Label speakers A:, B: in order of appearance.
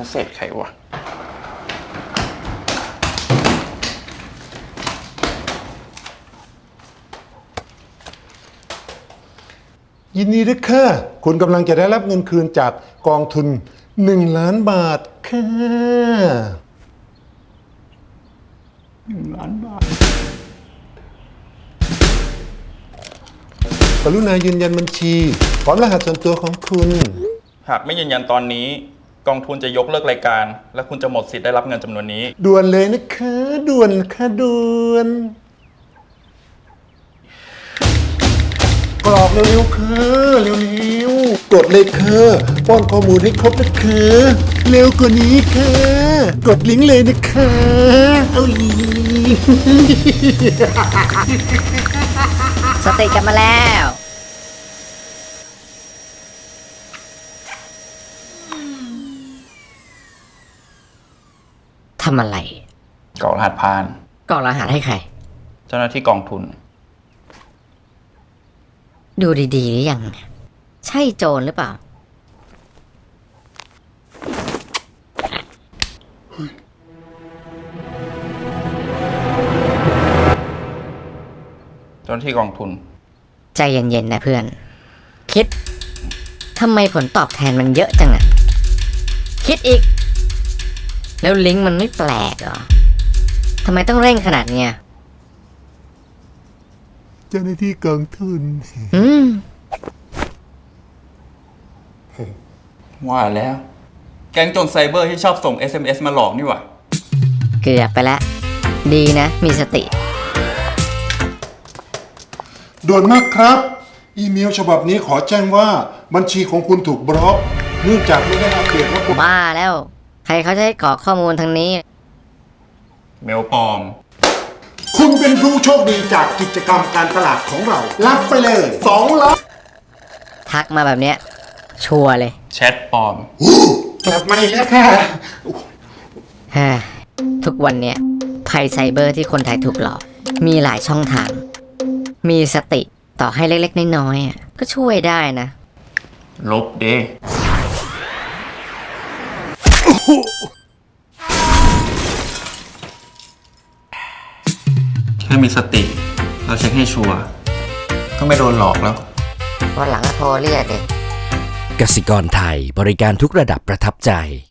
A: เศษใครวะ
B: ยินดีด้วยค่ะคุณกำลังจะได้รับเงินคืนจากกองทุน1 ล้านบาทค่ะ
A: 1 ล้านบาท
B: กรุณายืนยันบัญชีพร้อมรหัสส่วนตัวของคุณ
A: หากไม่ยืนยันตอนนี้กองทุนจะยกเลิกรายการและคุณจะหมดสิทธิ์ได้รับเงินจำนวนนี้
B: ด่วนเลยนะคะด่วนค่ะด่วนกรอกเร็วๆค่ะเร็วๆกดเลยค่ะป้อนข้อมูลให้ครบนะคะเร็วกว่านี้ค่ะกดลิงก์เลยนะคะเอาอี
C: สติกลับมาแล้วทำอะไร
A: กรอกรหัสผ่าน
C: กรอกรหัสให้ใคร
A: เจ้าหน้าที่กองทุน
C: ดูดีๆหรือยังใช่โจรหรือเปล่า
A: เจ้าหน้าที่กองทุน
C: ใจเย็นๆนะเพื่อนคิดทำไมผลตอบแทนมันเยอะจังอะคิดอีกแล้วลิงก์มันไม่แปลกเหรอทำไมต้องเร่งขนาดเนี้ย
B: เจ้าหน้าที่กองทุน
A: ว่าแล้วแก๊งโจรไซเบอร์ที่ชอบส่ง SMS มาหลอกนี่หว่า
C: เกือบไปแล้วดีนะมีสติ
B: ด่วนมากครับอีเมลฉบับนี้ขอแจ้งว่าบัญชีของคุณถูกบล็อกเนื่องจากไม่ได้อัปเดตว่าคุณ
C: บ้าแล้วใครเขาจะให้กรอกข้อมูลทางนี้
A: เมลปลอม
B: คุณเป็นผู้โชคดีจากกิจกรรมการตลาดของเรารับไปเลย2 ล้าน
C: ทักมาแบบเนี้ยชัวร์เลย
A: แชทปลอม
B: กลับมาอีกแล้วค่ะ
C: ทุกวันเนี้ยภัยไซเบอร์ที่คนไทยถูกหลอกมีหลายช่องทางมีสติต่อให้เล็กๆน้อยๆก็ช่วยได้นะ
A: ลบเด้แค่มีสติเราเช็คให้ชัวร์ก็ไม่โดนหลอกแล้ว
C: วันหลังก็โทรเรียกเอง
D: กสิกรไทยบริการทุกระดับประทับใจ